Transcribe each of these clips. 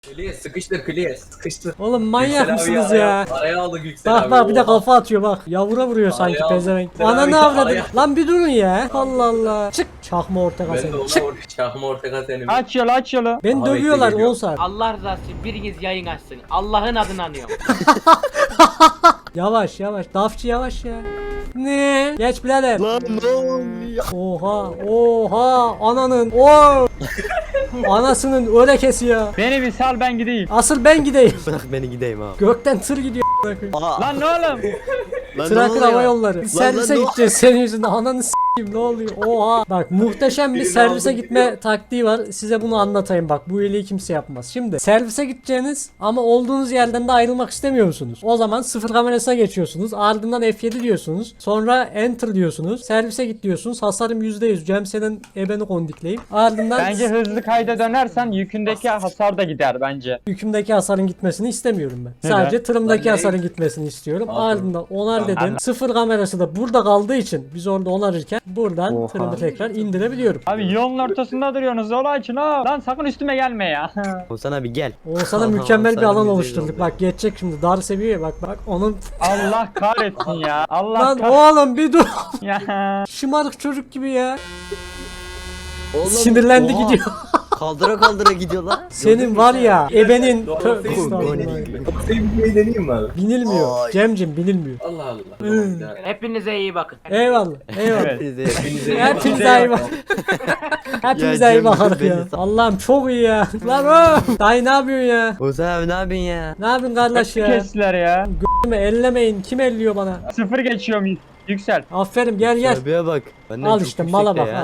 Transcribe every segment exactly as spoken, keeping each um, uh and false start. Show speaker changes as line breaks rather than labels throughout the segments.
Kliye sıkıştır kliye sıkıştır.
Oğlum manyak
Yüksel abi
mısınız
araya-
ya?
Araya aldık Yüksel abi.
Bak bak bir de
Oha.
kafa atıyor bak. Yavura vuruyor sanki
Araya al.
pezevenk.
Yüksel
Ana
abi
ne avradı?
araya-
Lan bir durun ya. Allah Allah. Çık. Çakma ortaka
Ben de
seni.
ona
Çık.
vur. Çakma ortaka seni.
Aç yolu aç yolu.
Beni
Aha,
dövüyorlar
bekle, geliyor.
Oğuzhan.
Allah rızası için biriniz yayın açsın. Allah'ın adını anıyorum.
Yavaş yavaş. Dafçı yavaş ya. Ne? Geç birader.
Lan ne oluyor?
Oha. Oha. Ananın. Oo. Anasının örekesi ya.
Beni bir sal ben gideyim.
Asıl ben gideyim.
Bırak beni gideyim abi.
Gökten tır gidiyor.
Aa,
Lan ne oğlum?
lan ne
Trakya
oluyor?
Hava Yolları. Biz
Lan, lan,
servise
ne-
gideceğiz senin yüzünden. Ananı s**eyim ne oluyor? Oha. Bak muhteşem bir
Birini
servise
aldım,
gitme
gidiyorum.
taktiği var. Size bunu anlatayım bak. Bu iyiliği kimse yapmaz. Şimdi servise gideceğiniz ama olduğunuz yerden de ayrılmak istemiyor musunuz? O zaman sıfır kamerasına geçiyorsunuz. Ardından F yedi diyorsunuz. Sonra enter diyorsunuz. Servise git diyorsunuz. Hasarım yüzde yüz. Cem senin ebeni kondikleyeyim. Ardından
Bence hızlı kayda dönersen yükündeki hasar da gider bence.
yükümdeki hasarın gitmesini istemiyorum ben.
Neden?
Sadece tırımdaki
Lan
hasarın
ne?
gitmesini istiyorum.
Aferin.
Ardından onar
Tamam.
dedim. Sıfır kamerası da burada kaldığı için biz orada onarırken buradan
Oha.
tırımı tekrar indirebiliyorum.
Abi yolun ortasında duruyorsunuz yolu açın ha. Lan sakın üstüme gelme ya.
Oğuzhan abi gel.
Oğuzhan'a
Aha,
mükemmel bir
Oğuzhan'ın
alan
yüzü
oluşturduk.
oldu.
Bak geçecek şimdi dar seviyeye bak bak onun.
Allah kahretsin ya. Allah
Lan
kahretsin
oğlum bir dur.
ya.
Şımarık çocuk gibi ya.
Oğlum,
Sinirlendi
oha.
gidiyor.
Kaldıra kaldıra gidiyor lan.
Senin var ya ebenin.
Doğru,
Tövbe
doğru.
estağfurullah.
Senin bir deneyeyim mi abi?
Binilmiyor.
Ay.
Cemcim binilmiyor.
Allah Allah.
Hmm.
Tamam, bir daha.
Hepinize iyi bakın.
Eyvallah. Eyvallah.
Evet.
Hepinize iyi
Hepinize
bakın.
iyi bak. Hepimize
Ya
iyi
Cem,
bakarız
beni
ya.
sal.
Allah'ım çok iyi ya. Lan oğlum. Dayı ne yapıyorsun ya?
Oğuzhan abi ne yapıyorsun ya?
Ne yapıyorsun kardeş ya?
Kestiler ya.
G***imi ellemeyin. Kim elliyor bana?
Sıfır geçiyorum yüksel.
Aferin gel gel.
Abiye bak. Benden
Al
çok
işte
yüksekte
mala bak
ya.
ha.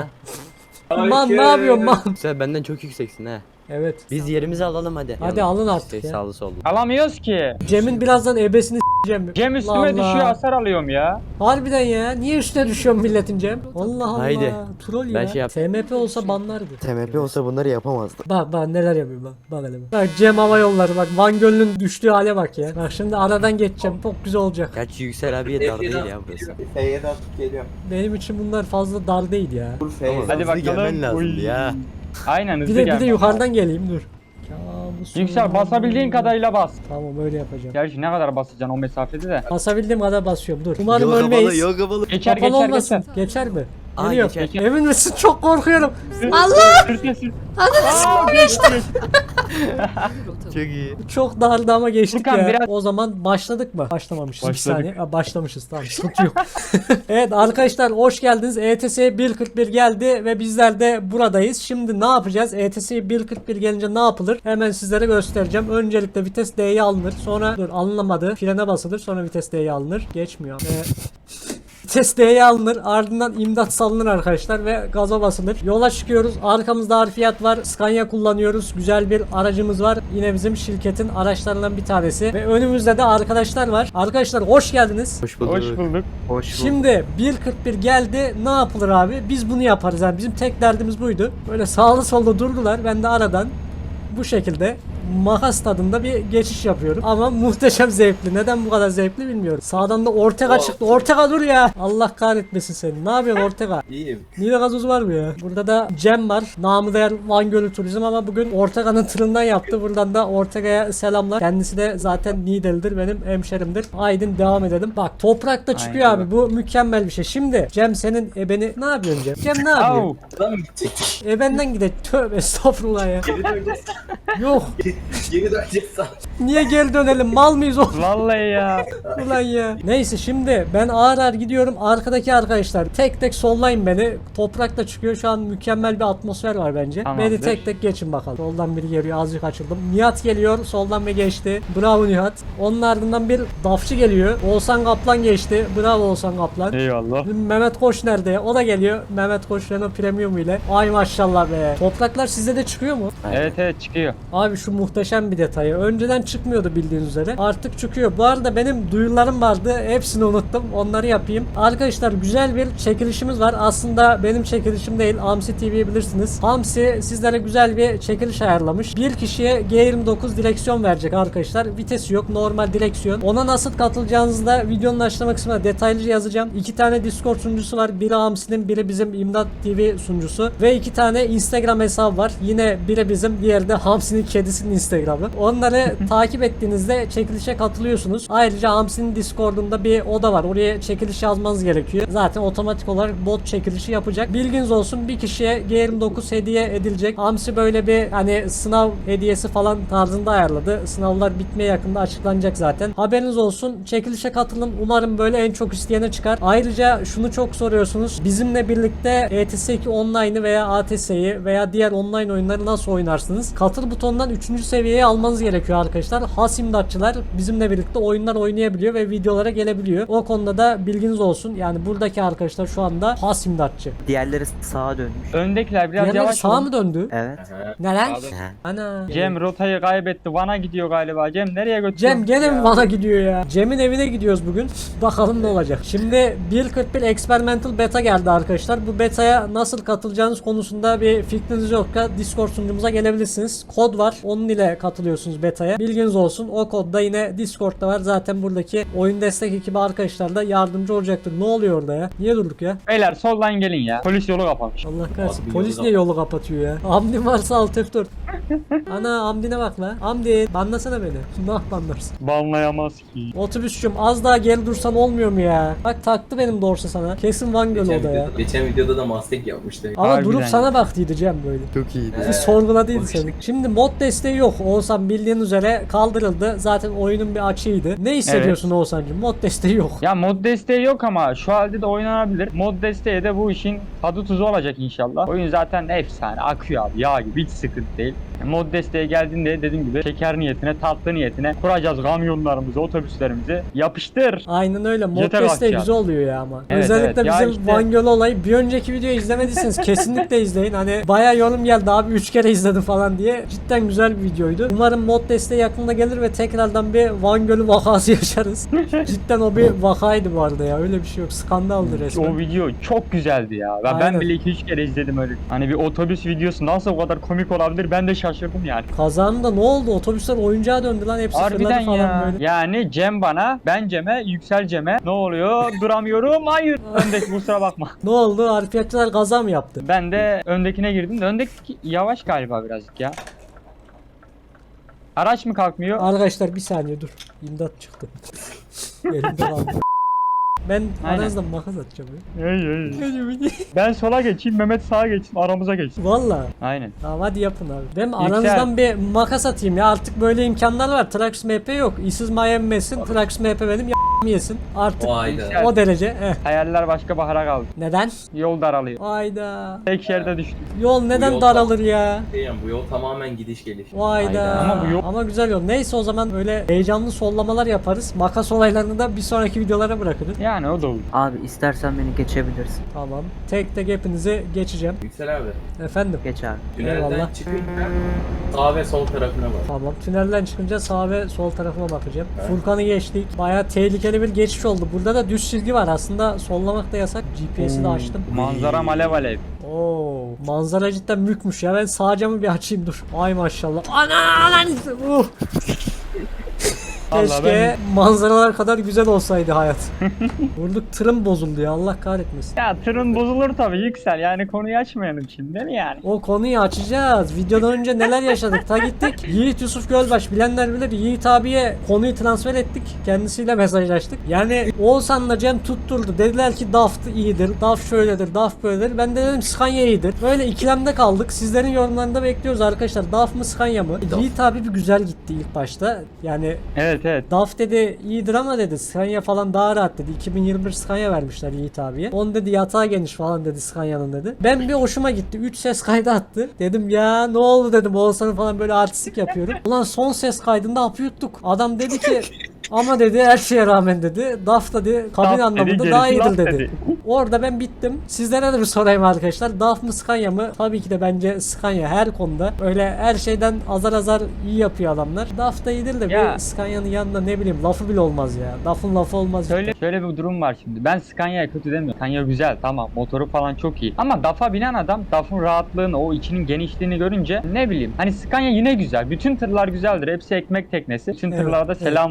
Man ne yapıyorsun man?
Sen benden çok yükseksin ha.
Evet.
Biz yerimizi alalım hadi.
Hadi alın artık
Şey,
ya.
sağlı sollu.
Alamıyoruz ki.
Cem'in birazdan ebesini s**eceğim.
Cem üstüme
Allah.
düşüyor hasar alıyorum ya.
Harbiden ya. Niye üstüne düşüyorsun milletin Cem? Allah Allah.
Haydi.
Troll ya.
Ben şey yap-
T M P olsa banlardı.
T M P olsa bunları yapamazdı.
Bak bak neler yapıyor bak. Bak hele bak. Bak Cem Hava Yolları bak. Van Gölü'nün düştüğü hale bak ya. Bak şimdi aradan geçeceğim. Çok güzel olacak.
Gerçi Yüksel abiye dar değil ya burası.
F'ye de atıp geliyorum.
Benim için bunlar fazla dar değil ya.
Dur F'ye.
Tamam.
Hadi
Hızlı gelmen
bakalım.
lazımdı
Uy.
ya.
Aynen hızlı
Bir de bir
gel.
de yukarıdan geleyim dur. Kabusum.
Yüksel basabildiğin kadarıyla bas.
Tamam öyle yapacağım.
Gerçi ne kadar basacaksın o mesafede de.
Basabildiğim kadar basıyorum dur. Umarım
Yok
ölmeyiz.
kapalı yok kapalı.
Geçer
Kapalı
geçer
olmasın.
geçer.
Geçer mi?
Aa,
Geliyor.
geçer.
Emin misin? Çok korkuyorum.
Allah! Sür sür sür. Aa, geçti.
Çok iyi.
Çok dardı ama geçtik
Furkan,
ya.
biraz-
O zaman başladık mı? Başlamamışız. Bir
Başladık.
saniye. Ha, başlamışız tamam sıkıntı yok. Evet arkadaşlar hoş geldiniz. E T S bir kırk bir geldi ve bizler de buradayız. Şimdi ne yapacağız? E T S bir kırk bir gelince ne yapılır? Hemen sizlere göstereceğim. Öncelikle vites D'ye alınır. Sonra dur alınamadı. Frene basılır. Sonra vites D'ye alınır. Geçmiyor. Ee, Vites D'ye alınır. Ardından imdat salınır arkadaşlar ve gaza basılır. Yola çıkıyoruz. Arkamızda harfiyat var. Scania kullanıyoruz. Güzel bir aracımız var. Yine bizim şirketin araçlarından bir tanesi. Ve önümüzde de arkadaşlar var. Arkadaşlar hoş geldiniz.
Hoş bulduk.
Hoş bulduk.
Hoş
Şimdi bir kırk bir geldi. Ne yapılır abi? Biz bunu yaparız. Yani bizim tek derdimiz buydu. Böyle sağlı solda durdular. Ben de aradan bu şekilde makas tadında bir geçiş yapıyorum. Ama muhteşem zevkli. Neden bu kadar zevkli bilmiyorum. Sağdan da Ortega
Oh.
çıktı. Ortega dur ya. Allah kahretmesin seni. Ne yapıyorsun Ortega?
İyiyim.
Nide gazoz var mı ya? Burada da Cem var. Namı değer Van Gölü Turizm ama bugün Ortega'nın tırından yaptı. Buradan da Ortega'ya selamlar. Kendisi de zaten Nidelidir. Benim hemşerimdir. Aydın devam edelim. Bak toprakta çıkıyor
Aynen.
abi. Bu mükemmel bir şey. Şimdi Cem senin ebeni ne yapıyorsun Cem? Cem ne yapıyor?
Au.
Lan mı gidecektik?
Ebenden gide. Tövbe estağfurullah ya.
Geri döneceğiz.
Yok.
Geri döneceğiz.
Niye geri dönelim? Mal mıyız oğlum?
Vallahi ya.
Ulan ya. Neyse şimdi ben ağır ağır gidiyorum. Arkadaki arkadaşlar tek tek sollayın beni. Toprakta çıkıyor. Şu an mükemmel bir atmosfer var bence.
Tamamdır.
Beni tek tek geçin bakalım. Soldan biri geliyor. Azıcık açıldım. Nihat geliyor. Soldan ve geçti. Bravo Nihat. Onun ardından bir dafçı geliyor. Oğuzhan Kaplan geçti. Bravo Oğuzhan Kaplan.
Eyvallah.
Mehmet Koç nerede? O da geliyor. Mehmet Koç Renault Premium ile. Ay maşallah be. Topraklar sizde de çıkıyor mu?
Evet evet çıkıyor.
Abi şu muhteşem bir detayı. Önceden çıkmıyordu bildiğiniz üzere. Artık çıkıyor. Bu arada benim duyurularım vardı. Hepsini unuttum. Onları yapayım. Arkadaşlar güzel bir çekilişimiz var. Aslında benim çekilişim değil. Hamsi T V'yi bilirsiniz. Hamsi sizlere güzel bir çekiliş ayarlamış. Bir kişiye G yirmi dokuz direksiyon verecek arkadaşlar. Vitesi yok. Normal direksiyon. Ona nasıl katılacağınızı da videonun açıklama kısmına detaylıca yazacağım. İki tane Discord sunucusu var. Biri Hamsi'nin, biri bizim İmdat T V sunucusu. Ve iki tane Instagram hesabı var. Yine biri bizim, diğeri de Hamsi'nin kedisinin Hamsi'nin Instagram'ı. Onları takip ettiğinizde çekilişe katılıyorsunuz. Ayrıca Hamsi'nin Discord'unda bir oda var. Oraya çekiliş yazmanız gerekiyor. Zaten otomatik olarak bot çekilişi yapacak. Bilginiz olsun, bir kişiye G yirmi dokuz hediye edilecek. Hamsi böyle bir hani sınav hediyesi falan tarzında ayarladı. Sınavlar bitmeye yakında açıklanacak zaten. Haberiniz olsun. Çekilişe katılın. Umarım böyle en çok isteyene çıkar. Ayrıca şunu çok soruyorsunuz. Bizimle birlikte E T S iki Online'ı veya A T S'yi veya diğer online oyunları nasıl oynarsınız? Katıl butonundan üçüncü seviyeye almanız gerekiyor arkadaşlar. Has imdatçılar bizimle birlikte oyunlar oynayabiliyor ve videolara gelebiliyor. O konuda da bilginiz olsun. Yani buradaki arkadaşlar şu anda has imdatçı.
Diğerleri sağa dönmüş.
Öndekiler biraz
Diğerleri
yavaş
sağa
olun.
mı döndü?
Evet.
Aha.
Neler?
Ha.
Ana.
Cem rotayı kaybetti. Van'a gidiyor galiba. Cem nereye götürüyor?
Cem gene mi bana gidiyor ya? Cem'in evine gidiyoruz bugün. Bakalım ne olacak. Şimdi bir nokta kırk bir Experimental Beta geldi arkadaşlar. Bu beta'ya nasıl katılacağınız konusunda bir fikriniz yoksa Discord sunucumuza gelebilirsiniz. Kod var. Onun ile katılıyorsunuz beta'ya. Bilginiz olsun. O kod da yine Discord'da var. Zaten buradaki oyun destek ekibi arkadaşlar da yardımcı olacaktır. Ne oluyor orada ya? Niye durduk ya?
Beyler soldan gelin ya. Polis yolu kapamış.
Allah kahretsin.
Abi
Polis
yolu
niye yolu kapatıyor ya? Hamdi varsa alt F dört. Ana Hamdi'ne bak la. Hamdi banlasana beni. Nah banlarsın.
Banlayamaz ki.
Otobüsçüm az daha geri dursan olmuyor mu ya? Bak taktı benim dorsa sana. Kesin Van Göl
Geçen
o da ya.
videoda, geçen videoda da Mustang yapmıştı.
Ama
Harbiden
durup
ya.
sana baktıydı Cem böyle.
Çok iyiydi.
Bir sorguladıydı
o
seni.
işte.
Şimdi mod desteği yok. Oğuzhan bildiğin üzere kaldırıldı. Zaten oyunun bir açığıydı. Ne hissediyorsun Oğuzhan'cığım? Mod desteği yok.
Ya mod desteği yok ama şu halde de oynanabilir. Mod desteği de bu işin tadı tuzu olacak inşallah. Oyun zaten efsane akıyor abi yağ gibi hiç sıkıntı değil. Mod desteği geldiğinde dediğim gibi şeker niyetine tatlı niyetine kuracağız kamyonlarımızı otobüslerimizi yapıştır.
Aynen öyle. Mod
Yeter
desteği
bak ya.
güzel oluyor ya ama.
Evet,
Özellikle
evet. Ya
bizim
işte-
Van Göl olayı. Bir önceki videoyu izlemediyseniz kesinlikle izleyin. Hani bayağı yorum geldi abi üç kere izledim falan diye. Cidden güzel bir videoydu. Umarım mod desteği yakında gelir ve tekrardan bir Van Gölü vakası yaşarız. Cidden o bir vakaydı bu arada ya. Öyle bir şey yok. Skandaldı resmen.
O video çok güzeldi ya. Ben,
Aynen.
ben bile iki üç kere izledim öyle. Hani bir otobüs videosu nasıl o kadar komik olabilir ben de şaşırdım yani.
Kazanında ne oldu? Otobüsler oyuncağa döndü lan. Hepsi fırladı
Harbiden
falan
ya.
böyle.
Yani Cem bana, ben Cem'e, Yüksel Cem'e ne oluyor? Duramıyorum. Hayır. Öndeki kusura bakma.
Ne oldu? Harfiyatçılar kaza mı yaptı?
Ben de öndekine girdim de öndeki yavaş galiba birazcık ya. Araç mı kalkmıyor?
Arkadaşlar bir saniye dur. İmdat çıktı. Elimde kaldı. Ben
Aynen.
aranızdan makas atacağım ya.
Hey, hey. Ben sola geçeyim, Mehmet sağa geçsin, aramıza geçsin.
Valla.
Aynen.
Tamam hadi yapın abi. Ben
Yüksel.
aranızdan bir makas atayım ya. Artık böyle imkanlar var. Trax M P yok. İsiz Miami yesin. Trax M P benim y***mi yesin. Artık
Vayda.
o derece. Eh.
Hayaller başka bahara kaldı.
Neden?
Yol daralıyor.
Vayda.
Tek şerde düştük.
Yol neden
yol
daralır ya?
Diyem, bu yol tamamen gidiş geliş.
Vayda.
Hayda.
Ama bu yol-
Ama güzel yol. Neyse o zaman böyle heyecanlı sollamalar yaparız. Makas olaylarını da bir sonraki videolara bırakırız.
Yani o da olur.
Abi istersen beni geçebilirsin.
Tamam. Tek tek hepinizi geçeceğim.
Yüksel abi.
Efendim.
Geç abi.
Tünelden
Eyvallah.
çıkınca sağ ve sol tarafına bak.
Tamam. Tünelden çıkınca sağ ve sol tarafıma bakacağım.
Evet.
Furkan'ı geçtik. Bayağı tehlikeli bir geçiş oldu. Burada da düz çizgi var. Aslında sollamak da yasak. G P S'i de açtım.
Manzara alev alev.
Oo, manzara cidden mükmüş ya. Ben sağ camı bir açayım dur. Ay maşallah. Ana lan. Uh.
Vallahi
Keşke
ben-
manzaralar kadar güzel olsaydı hayat. Vurduk tırım bozuldu ya Allah kahretmesin.
Ya tırın bozulur tabii Yüksel. Yani konuyu açmayalım şimdi değil mi yani?
O konuyu açacağız. Videodan önce neler yaşadık? Ta gittik. Yiğit Yusuf Gölbaş bilenler bilir. Yiğit abiye konuyu transfer ettik. Kendisiyle mesajlaştık. Yani Oğuzhan'la Cem tutturdu. Dediler ki Daft iyidir. Daft şöyledir. Daft böyledir. Ben de dedim Scania iyidir. Böyle ikilemde kaldık. Sizlerin yorumlarında bekliyoruz arkadaşlar. Daft mı Scania mı? Yiğit abi bir güzel gitti ilk başta. Yani
Evet evet.
Daft dedi iyidir ama dedi Scania falan daha rahat dedi. iki bin yirmi bir Scania vermişler Yiğit abiye. Onun dedi yatağı geniş falan dedi Scania'nın dedi. Ben bir hoşuma gitti. üç ses kaydı attı. Dedim ya ne oldu dedim Oğuzhan'ın falan böyle artistik yapıyorum. Ulan son ses kaydında hapı yuttuk. Adam dedi ki ama dedi her şeye rağmen dedi. Daft dedi kabin
Daft dedi,
anlamında daha
gerisi
iyidir
laf
dedi.
dedi.
Orada ben bittim. Sizlere de bir sorayım arkadaşlar. Daft mı Scania mı? Tabii ki de bence Scania her konuda. Öyle her şeyden azar azar iyi yapıyor adamlar. Daft da iyidir de
Ya.
bir Scania'nın yanında ne bileyim lafı bile olmaz ya. Lafın lafı olmaz.
Şöyle, şöyle bir durum var şimdi. Ben Scania'ya kötü demiyorum. Scania güzel tamam motoru falan çok iyi. Ama D A F'a binen adam D A F'ın rahatlığını o içinin genişliğini görünce ne bileyim. Hani Scania yine güzel. Bütün tırlar güzeldir. Hepsi ekmek teknesi. Bütün
Evet,
tırlara da
evet.
selam
Da-
olsun.
Dak
Yü-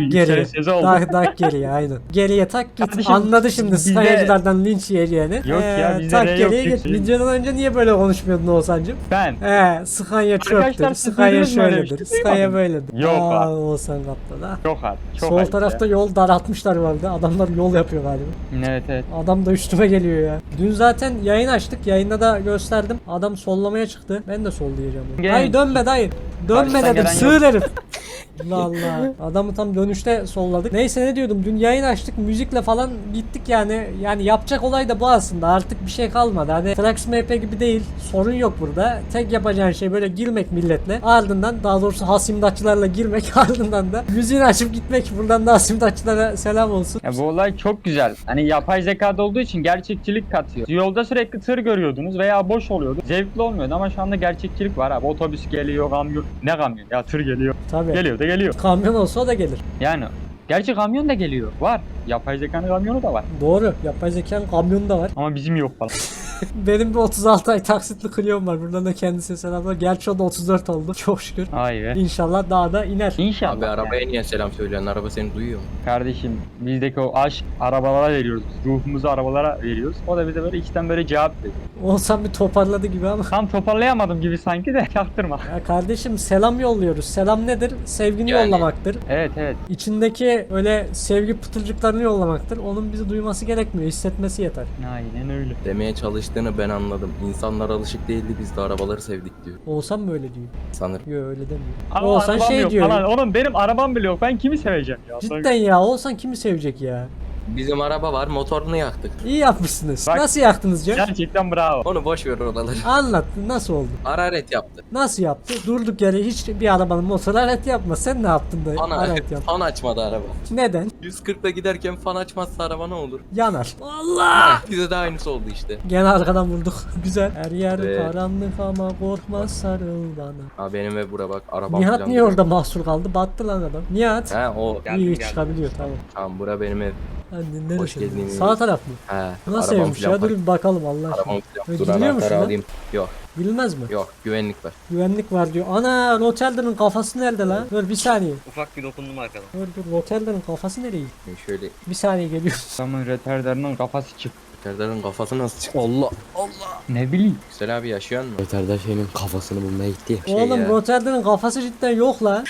geriye.
sözü oldu.
Tak tak geriye aynen. Geriye tak git.
Kardeşim,
Anladı şimdi
bizde-
Skyacılardan linç yiyeceğini.
Yok ya, bizde
tak
R yok,
geriye git.
yüksek.
Videodan önce niye böyle konuşmuyordun Oğuzhan'cım?
Ben.
He, Skanya
Arkadaşlar,
çöptür,
siz
Skanya
duydunuz mu öyle bir
şöyledir,
şey?
Skanya
Duymadım.
böyledir.
Yok
Aa,
abi.
Oğuzhan kaptan ha.
Çok artık. Çok
Sol
ayıp
tarafta
ya.
yol daraltmışlar vardı. Adamlar yol yapıyor galiba.
Evet evet.
Adam da üstüme geliyor ya. Dün zaten yayın açtık. Yayında da gösterdim. Adam sollamaya çıktı. Ben de sollayacağım. onu.
Gel.
Dayı dönme dayı. Dönme
Karşıdan
dedim.
gelen
Sığır herif. Allah Allah. Adamı tam dönüşte solladık. Neyse ne diyordum. Dün yayın açtık. Müzikle falan gittik yani. Yani yapacak olay da bu aslında. Artık bir şey kalmadı. Hani Trax M P gibi değil. Sorun yok burada. Tek yapacağın şey böyle girmek milletle. Ardından daha doğrusu hasimdatçılarla girmek. Ardından da müziğini açıp gitmek. Buradan da hasimdatçılara selam olsun.
Ya bu olay çok güzel. Hani yapay zekada olduğu için gerçekçilik katıyor. Yolda sürekli tır görüyordunuz veya boş oluyordu. Zevkli olmuyordu ama şu anda gerçekçilik var abi. Otobüs geliyor, kamyon. Ne kamyon? Ya tır geliyor.
Tabii.
Geliyor da geliyor.
Kamyon olsa o da gelir.
Yani gerçi kamyon da geliyor. Var. Yapay zekanın kamyonu da var.
Doğru. Yapay zekanın kamyonu da var.
Ama bizim yok falan.
Benim bir otuz altı ay taksitli Clio'm var. Buradan da kendisine selamlar. Gerçi o da otuz dört oldu. Çok şükür.
Vay be.
İnşallah daha da iner.
İnşallah.
Abi arabaya
yani.
niye selam söylüyorsun? Araba seni duyuyor mu?
Kardeşim bizdeki o aşk arabalara veriyoruz. biz. Ruhumuzu arabalara veriyoruz. O da bize böyle içten böyle cevap veriyor.
Olsam bir toparladı gibi ama.
Tam toparlayamadım gibi sanki de çaktırma.
Ya kardeşim selam yolluyoruz. Selam nedir? Sevgini
Yani.
yollamaktır.
Evet evet.
İçindeki öyle sevgi pıtırcıklarını yollamaktır. Onun bizi duyması gerekmiyor. Hissetmesi yeter.
Aynen öyle.
Demeye çalıştığını ben anladım. İnsanlar alışık değildi, biz de arabaları sevdik diyor.
Olsam mı öyle diyor?
Sanırım.
Yok öyle demiyor.
Ama
Olsan
arabam
şey
yok
diyor.
falan. Oğlum benim arabam bile yok. Ben kimi seveceğim ya?
Cidden ya. Olsan kimi sevecek ya?
Bizim araba var, motorunu yaktık.
İyi yapmışsınız.
Bak-
Nasıl yaktınız Can?
Gerçekten bravo.
Onu boş ver oraları.
Anlat. Nasıl oldu?
Hararet yaptı.
Nasıl yaptı? Durduk yere hiç bir arabanın motoru alet yapma. Sen ne yaptın da
Fan,
alet yaptın?
fan açmadı araba.
Neden?
yüz kırkla giderken fan açmazsa araba ne olur?
Yanar. Allah!
Bize de aynısı oldu işte.
Gene arkadan vurduk. Güzel. Her yer
Evet.
karanlık ama korkma sarıl bana.
Ha benim ve bura bak arabam
Nihat
falan
niye
duruyor.
orada mahsur kaldı? Battı lan adam. Nihat.
He o.
İyi çıkabiliyor tamam.
Tamam bura benim ev.
Anne
Hoş
neresi?
geldin.
Sağ taraf mı?
He.
Nasıl
arabam
evmiş
falan
ya? Dur
park-
bir bakalım Allah aşkına.
Arabam falan.
Öyle
Dur
gidiliyor mu
anahtarı
şuradan?
alayım. Yok
Bilmez mi?
yok güvenlik var.
Güvenlik var diyor. Ana Rotelder'ın kafası nerede lan? Dur bir saniye.
Ufak bir dokundum arkadan.
Dur dur Rotelder'ın kafası nereye gitti?
Şimdi şöyle
Bir saniye geliyor.
Adamın retarderinin kafası çık.
Serdar'ın kafası nasıl çıktı? Allah.
Ne bileyim.
Güzel abi yaşıyor mu?
Öterde şeyin kafasını bulmaya gitti ya.
Şey
Oğlum
ya.
Rotelder'ın kafası cidden yok lan.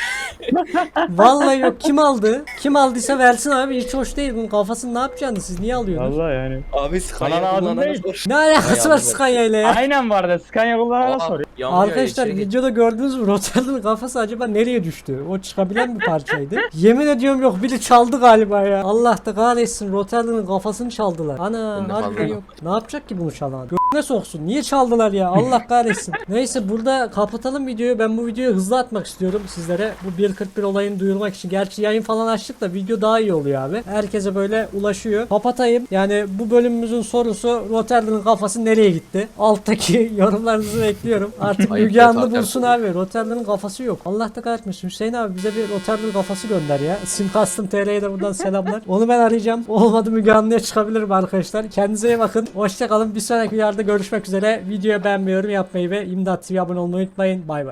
Vallahi yok. Kim aldı? Kim aldıysa versin abi. Hiç hoş değil. Bunun kafasını ne yapacaksınız? Siz niye alıyorsunuz?
Vallahi yani.
Abi
Bana lazım değil.
Ne alakası
Hay
var
Allah.
Scania ile ya?
Aynen var da Scania kullanana soruyor.
Arkadaşlar videoda gördünüz mü Rotelder'ın kafası acaba nereye düştü? O çıkabilen bir parçaydı. Yemin ediyorum yok biri çaldı galiba ya. Allah da kahretsin Rotelder'ın kafasını çaldılar. Ana
Bende
harbiden
fazla
yok. Ne yapacak ki bunu çalan? Göğüne soksun. Niye çaldılar ya? Allah kahretsin. Neyse burada kapatalım videoyu. Ben bu videoyu hızlı atmak istiyorum sizlere. Bu bir kırk bir olayını duyurmak için. Gerçi yayın falan açtık da video daha iyi oluyor abi. Herkese böyle ulaşıyor. Kapatayım. Yani bu bölümümüzün sorusu Rotelder'ın kafası nereye gitti? Alttaki yorumlarınızı bekliyorum. Artık
Ayıp
Müge
ya,
Anlı
zaten.
bulsun abi. Rotelder'ın kafası yok. Allah da kahretmesin. Hüseyin abi bize bir Rotelder kafası gönder ya. Simcustom T R'ye de buradan selamlar. Onu ben arayacağım. Olmadı Müge Anlı'ya çıkabilirim arkadaşlar. Kendinize iyi bakın. Hoşçakalın. Bir sonraki videoda görüşmek üzere. Videoyu beğenmeyi, yorum yapmayı ve İmdat T V'ye abone olmayı unutmayın. Bay bay.